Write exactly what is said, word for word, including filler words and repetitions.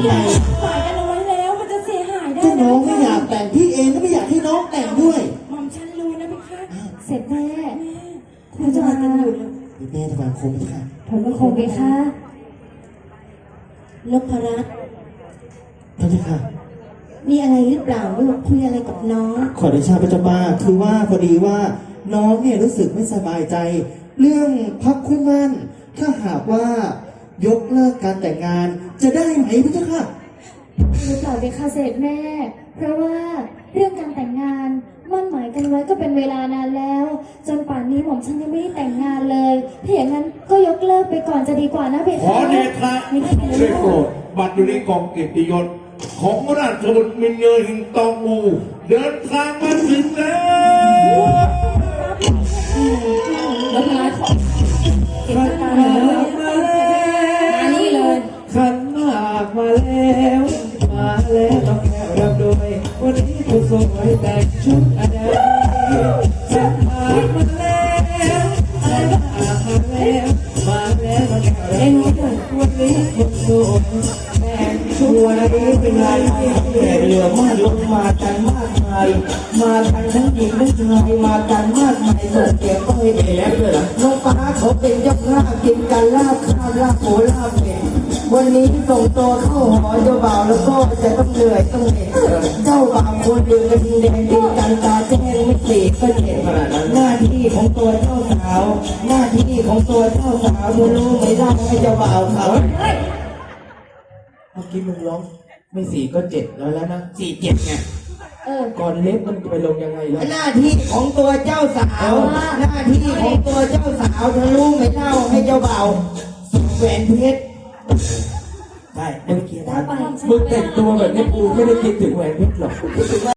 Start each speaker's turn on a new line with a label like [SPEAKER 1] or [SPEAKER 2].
[SPEAKER 1] ไง
[SPEAKER 2] หมายกันเอาไว้แล้วมันจะเสียหายได้
[SPEAKER 1] ถ้า
[SPEAKER 2] นะ
[SPEAKER 1] น้องไม่อยากแต่งพี่เองก็ไม่อยากให้น้องแต่งด้วย
[SPEAKER 2] หม่อมฉันรู้นะพี่คะ
[SPEAKER 3] เสร็จแม่
[SPEAKER 2] คุณจะมากันอยู่เลย
[SPEAKER 1] แม่ถวายคมค่ะ
[SPEAKER 3] ถอนพระโคมไปค่ะ
[SPEAKER 2] นพรัตน์
[SPEAKER 1] พระเจ้าค่ะ
[SPEAKER 2] มีอะไรหรือเปล่าลูกคุยอะไรกับน้อง
[SPEAKER 1] ขอเดชะพระเจ้าป้าคือว่าพอดีว่าน้องเนี่ยรู้สึกไม่สบายใจ เรื่องพักคู่มั่นถ้าหากว่ายกเลิกการแต่งงานจะได้ไหมพระเจ้าค่ะ
[SPEAKER 3] หรือเปล่าเบค่ะเสด็จแม่ เพราะว่าเรื่องการแต่งงานมั่นหมายกันไว้ก็เป็นเวลานานแล้ว จนป่านนี้หม่อมฉันยังไม่ได้แต่งงานเลยถ้าอย่างนั้นก็ยกเลิกไปก่อนจะดีกว่านะเบ
[SPEAKER 4] ข
[SPEAKER 3] ค่ะ
[SPEAKER 4] อเดชะได้โปรดบัตรอยู่ในกองเกียรติยศของราชบุตรมินเยอหิงตองอูเดินทางมาถึงแล้ว
[SPEAKER 2] แล้วพรัตน์เห็นตาเลยมานี่เลย
[SPEAKER 5] ขันหมากมาแล้วมาแล้วต้องแค่รับด้วยวันนี้ผู้สวยแต่งชุดอะไรขันหมากมาแล้วขันหมากมาแล้วมาแล้วต้องแค่รับด้วยวันนี้ผู้สวยแต่งชุดอะไรเป็นไรแขกเรือมากลงมากันมากมายมากันทั้งหญิงทั้งชายมากันมากมายส่งเสียงก็ให้เอ๋เลยล่ะน้องฟ้าเขาเป็นเจ้าภาพกินกันลาบข้าวลาบหมูลาบเป็ดวันนี้ส่งตัวเข้าหอเจ้าบ่าวแล้วก็จะต้องเหนื่อยต้องเหน็ดเจ้าบ่าวคนเดียวกันแดงดีกันตาแจ้งไม่สีก็เจ็บหน้าที่ของตัวเจ้าสาวหน้าที่ของตัวเจ้าสาวเธอรู้ไหมล่ะให้เจ้าบ่าวเขาเมื่อกี้มึงร้องไม่สี่ก็เจ็ดแล้วแล้วนะสี่เจ็ดไง
[SPEAKER 3] เออ
[SPEAKER 5] ก่อนเล็บมันไปลงยังไงล่ะ
[SPEAKER 6] หน้าที่ของตัวเจ้าสาว หน้าที่ของตัวเจ้าสาวเธอรู้ไหมเล่าให้เจ้าบ่าวสวมแหวนเพชร
[SPEAKER 5] ได้เมื่อกี้นะมึงแต่งตัวแบบนี้กูไม่ได้คิดถึงแหวนเพชรหรอก